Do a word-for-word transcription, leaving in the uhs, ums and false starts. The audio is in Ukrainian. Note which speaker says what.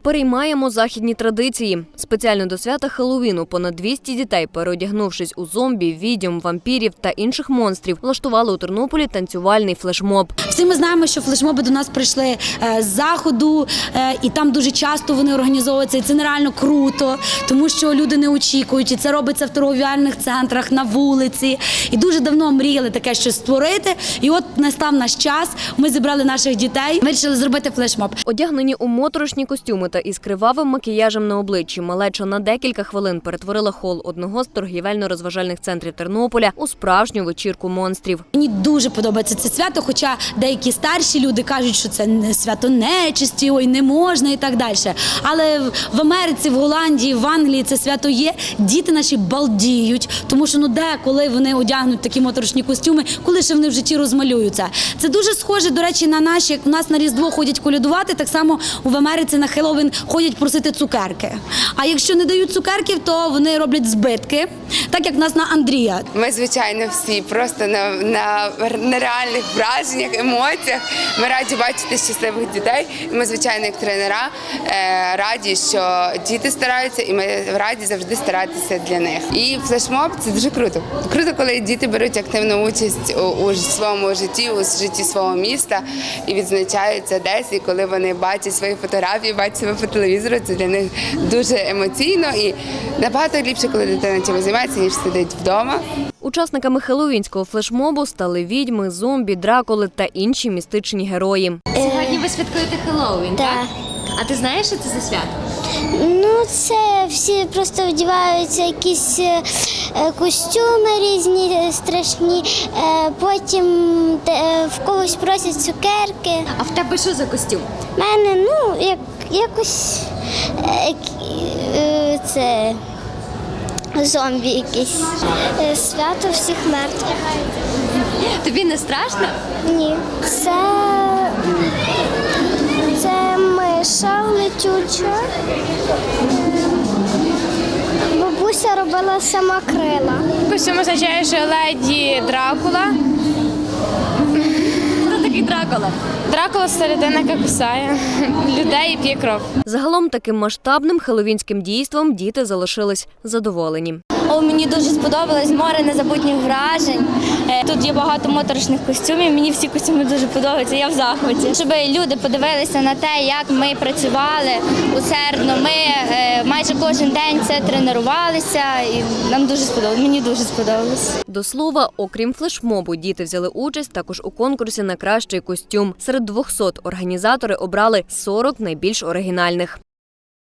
Speaker 1: Переймаємо західні традиції. Спеціально до свята Хеллоуіну понад двісті дітей, переодягнувшись у зомбі, відьом, вампірів та інших монстрів, влаштували у Тернополі танцювальний флешмоб.
Speaker 2: Всі ми знаємо, що флешмоби до нас прийшли з заходу, і там дуже часто вони організовуються. І це нереально круто, тому що люди не очікують. І це робиться в торговельних центрах, на вулиці. І дуже давно мріяли таке щось створити. І от настав наш час, ми зібрали наших дітей, вирішили зробити флешмоб.
Speaker 1: Одягнені у моторошні костюми та із кривавим макіяжем на обличчі, малеча на декілька хвилин перетворила хол одного з торгівельно-розважальних центрів Тернополя у справжню вечірку монстрів.
Speaker 2: Мені дуже подобається це свято, хоча деякі старші люди кажуть, що це не свято нечисті, ой, не можна і так далі. Але в Америці, в Голландії, в Англії це свято є. Діти наші балдіють, тому що ну де, коли вони одягнуть такі моторошні костюми, коли ще вони в житті розмалюються. Це дуже схоже, до речі, на наші, як у нас на Різдво ходять колядувати, так само в Америці на Хеллоуін ходять просити цукерки. А якщо не дають цукерків, то вони роблять збитки, так як в нас на Андрія.
Speaker 3: Ми, звичайно, всі просто на, на нереальних враженнях, емоціях. Ми раді бачити щасливих дітей. І ми, звичайно, як тренера, раді, що діти стараються, і ми раді завжди старатися для них. І флешмоб – це дуже круто. Круто, коли діти беруть активну участь у, у своєму житті, у житті свого міста і відзначаються десь. І коли вони бачать свої фотографії, бачать себе по телевізору, це для них дуже емоційно і набагато ліпше, коли дитина чимось займається, ніж сидить вдома.
Speaker 1: Учасниками хеллоуінського флешмобу стали відьми, зомбі, дракули та інші містичні герої.
Speaker 4: Сьогодні ви святкуєте Хеллоуін, так?
Speaker 5: Так.
Speaker 4: А ти знаєш, що це за свято?
Speaker 5: Ну, це всі просто вдіваються якісь е, костюми різні, е, страшні, е, потім е, в когось просять цукерки.
Speaker 4: А в тебе що за костюм?
Speaker 5: У мене, ну, як, якось е, е, це зомбі якісь. Е, свято всіх мертвих.
Speaker 4: Тобі не страшно?
Speaker 5: Ні. Це, це миша летюча. Бабуся робила сама крила.
Speaker 6: Костюм означає, що леді Дракула.
Speaker 4: Хто такий Дракула?
Speaker 6: Дракула – це людина, яка кусає людей і п'є кров.
Speaker 1: Загалом таким масштабним хеллоуінським дійством діти залишились задоволені.
Speaker 7: О, мені дуже сподобалось, море незабутніх вражень. Тут є багато моторошних костюмів, мені всі костюми дуже подобаються, я в захваті. Щоб люди подивилися на те, як ми працювали усердно, ми майже кожен день це тренувалися і нам дуже сподобалось, мені дуже сподобалось.
Speaker 1: До слова, окрім флешмобу, діти взяли участь також у конкурсі на кращий костюм. Серед двохсот організатори обрали сорок найбільш оригінальних.